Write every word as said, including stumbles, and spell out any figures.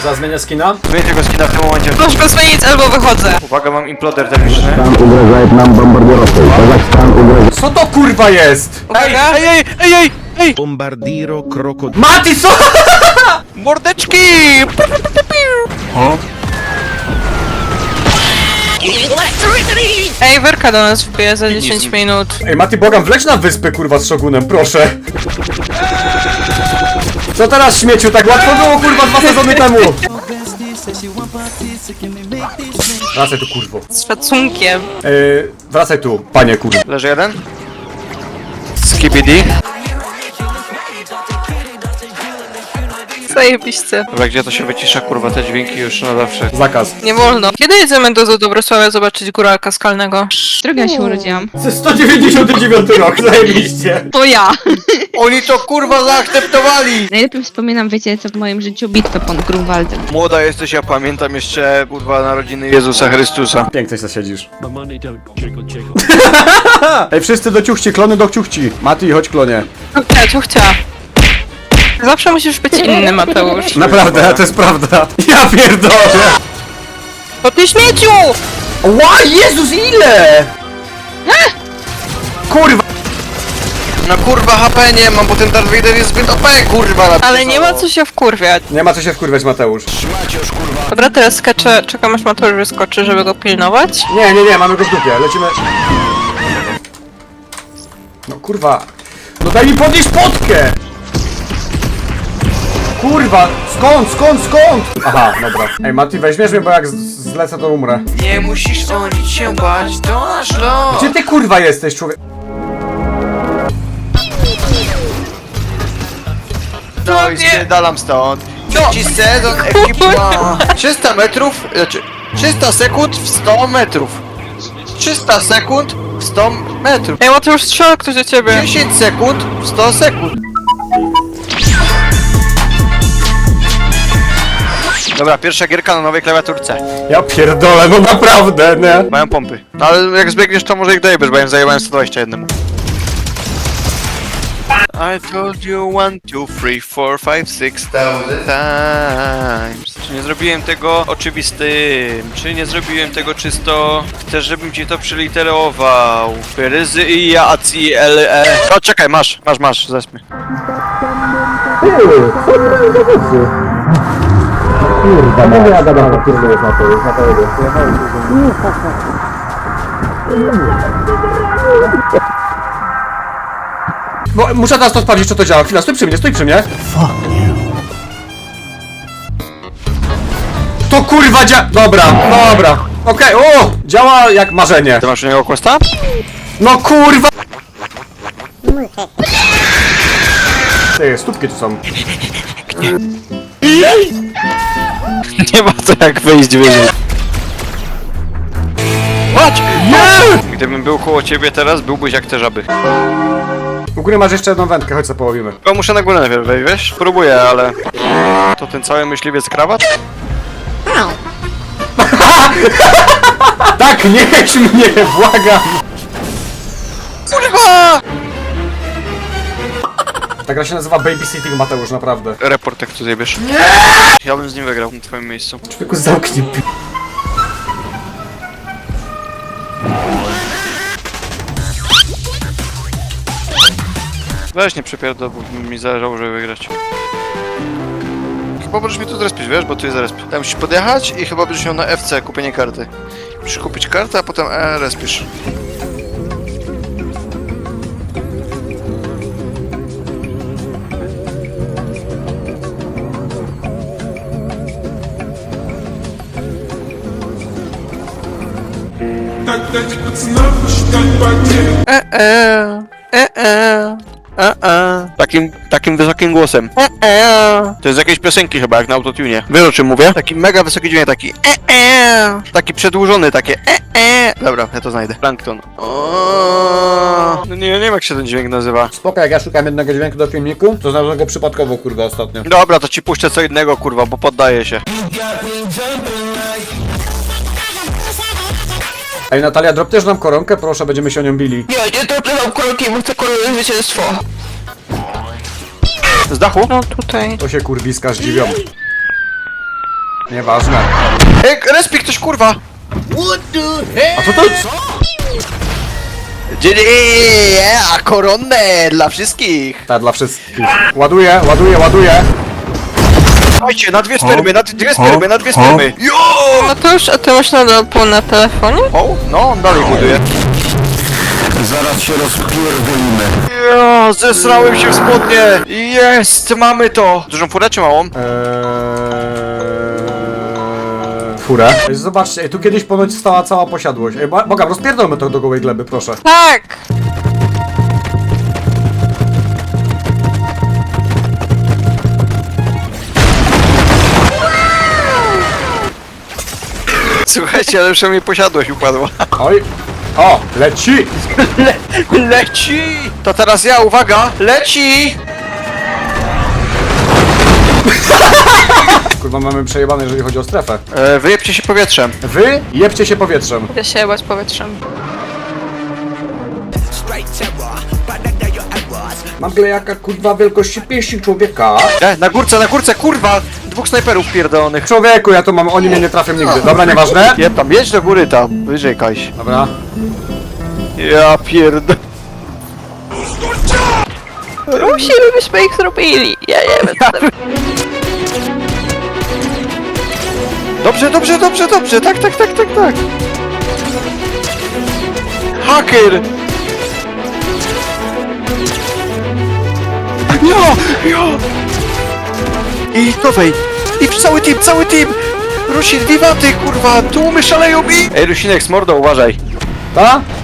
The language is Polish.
Zaraz zmienię skina? Zmienię tego skina w tym momencie. Możesz go zmienić albo wychodzę. Uwaga, mam imploder termiczny. Угрожает нам бомбардировкой. Казахстан угрожает. Co to kurwa jest? Uwaga. Ej, ej, ej, ej, ej! Bombardiro krokodyl. Mati, co? Mordeczki! Ej, Werka do nas wbije za dziesięć minut. Ej, Mati, błagam, wleć na wyspę, kurwa, z Shogunem, proszę. Co teraz, śmieciu? Tak łatwo było, kurwa, dwa sezony temu. Wracaj tu, kurwo. Z szacunkiem. Yy, wracaj tu, panie, kurwa. Leży jeden. Skibidi. Zajebiście. Dobra, gdzie to się wycisza, kurwa, te dźwięki już na zawsze. Zakaz. Nie wolno. Kiedy jedziemy do Dobrosławia zobaczyć góralka skalnego? Którego ja się urodziłam? To jest sto dziewięćdziesiąty dziewiąty rok, zajebiście. To ja! Oni to, kurwa, zaakceptowali! Najlepiej wspominam, wiecie co w moim życiu, bitwę pod Grunwaldem. Młoda jesteś, ja pamiętam jeszcze, kurwa, narodziny Jezusa Chrystusa. Pięknie się siedzisz. Ej, wszyscy do ciuchci, klony do ciuchci. Mati, chodź, klonie. Ciuchcia, ciuchcia. Zawsze musisz być inny, Mateusz. Naprawdę, to jest prawda. Ja pierdolę. To ty śmieciu! Ła, Jezus, ile? Kurwa. No kurwa, H P nie mam, bo ten Darth Vader jest zbyt O P, kurwa. Ale nie ma co się wkurwiać. Nie ma co się wkurwiać, Mateusz. Dobra, teraz skaczę, czekam aż Mateusz wyskoczy, żeby go pilnować. Nie, nie, nie, mamy go w dupie, lecimy. No kurwa. No daj mi podnieść potkę! Kurwa, skąd, skąd, skąd? Aha, dobra. Ej, Mati, weźmiesz mnie, bo jak z- zlecę, to umrę. Nie musisz o nic się bać, to nasz los. Gdzie ty kurwa jesteś, człowiek? No i spierdalam stąd. Trzeci sezon ekipa. trzysta metrów, znaczy trzysta sekund w sto metrów. trzysta sekund w sto metrów. Ej, Mateusz, strzela ktoś do ciebie. dziesięć sekund w sto sekund. Dobra, pierwsza gierka na nowej klawiaturce. Ja pierdolę, no naprawdę, nie? Mają pompy. No ale jak zbiegniesz, to może ich dojebiesz, bo ja im zajebałem sto dwadzieścia jeden. I told you one, two, three, four, five, six thousand times. Czy nie zrobiłem tego oczywistym? Czy nie zrobiłem tego czysto? Chcesz, żebym ci to przyliterował? Ryzy i ja, a ci, l, e. O, czekaj, masz, masz, masz, zespmy. Kurwa, no ja gadam, to kurwa jest na to, jest na to jego. No, muszę teraz to sprawdzić, czy to działa. Chwila, stój przy mnie, stój przy mnie. To kurwa dzia... Dobra, dobra. Okej, o! Działa jak marzenie. Ty masz u niego questa? No kurwa! Ty, stópki tu są. Nie ma co jak wyjść wyżej. Chodź! Nie! Gdybym był koło ciebie teraz, byłbyś jak te żaby. U góry masz jeszcze jedną wędkę, chodź co połowimy. O, muszę na górę najpierw wejść, wiesz? Próbuję, ale... To ten cały myśliwiec krawat? Tak, nie jedź mnie, błagam! Kurwa! Ta gra się nazywa Babysitting, Mateusz, naprawdę. Report jak tu zjebiesz. Nie! Ja bym z nim wygrał na twoim miejscu. Człowieku, zamknij pi... Weź nie przypierdol, bo mi zależało, żeby wygrać. Chyba możesz mi tu zrespić, wiesz, bo tu jest resp. Tam musisz podjechać i chyba będziesz miał na F C kupienie karty. Musisz kupić kartę, a potem E respisz. E, e, e, e, E, e. Takim, takim wysokim głosem. e, e. To jest z jakiejś piosenki chyba, jak na autotune. Wiesz o czym mówię? Taki mega wysoki dźwięk, taki e, e. Taki przedłużony, takie e, e. Dobra, ja to znajdę. Plankton. O, no nie, nie wiem jak się ten dźwięk nazywa. Spoko, jak ja szukam jednego dźwięku do filmiku, to znalazłem go przypadkowo, kurwa, ostatnio. Dobra, to ci puszczę co innego, kurwa, bo poddaję się. Ej, Natalia, drop też nam koronkę, proszę, będziemy się o nią bili. Nie, nie dopływam koronki, bo chcę koronowe zwycięstwo. Z dachu? No tutaj. To się kurwiska zdziwią. Nieważne. Ej, respi ktoś, kurwa! A co to? Co? Dzień, a koronne dla wszystkich! Tak, dla wszystkich. Ładuję, ładuję, ładuję. Słuchajcie, na dwie spermy, na dwie spermy, na dwie spermy! Jo! No to już, a ty masz nadal pół na telefonie? O, no, on dalej buduje. Zaraz się rozpierdolimy. Jo, zesrałem się w spodnie! Jest, mamy to! Dużą furę czy małą? Eee... Furę. Ej, zobaczcie, ej, tu kiedyś ponoć stała cała posiadłość. Ej, bo- Boga, rozpierdolmy to do gołej gleby, proszę. Tak! Słuchajcie, ale już mi posiadłość upadła. Oj. O, leci! Le leci! To teraz ja, uwaga! Leci! Kurwa, mamy przejebane, jeżeli chodzi o strefę. E, wyjebcie się powietrzem. Wy jebcie się powietrzem. Idę się jebać powietrzem. Mam glejaka, kurwa, wielkości pięści człowieka. E, na górce, na górce, kurwa! Dwóch snajperów pierdolonych. Człowieku, ja to mam, oni mnie nie trafią nigdy. Dobra, nieważne. Jeb tam, jedź do góry tam, wyżej Kaś. Dobra. Ja pierd... Rusi, byśmy ich zrobili! Ja nie wiem, co tam... Dobrze, dobrze, dobrze, dobrze, tak, tak, tak, tak, tak. Haker! Jo, jo! I nowej! I cały team, cały team! Rusin, wiwaty, kurwa, tłumy szaleją mi! Ej, Rusinek, z mordą, uważaj. Ta?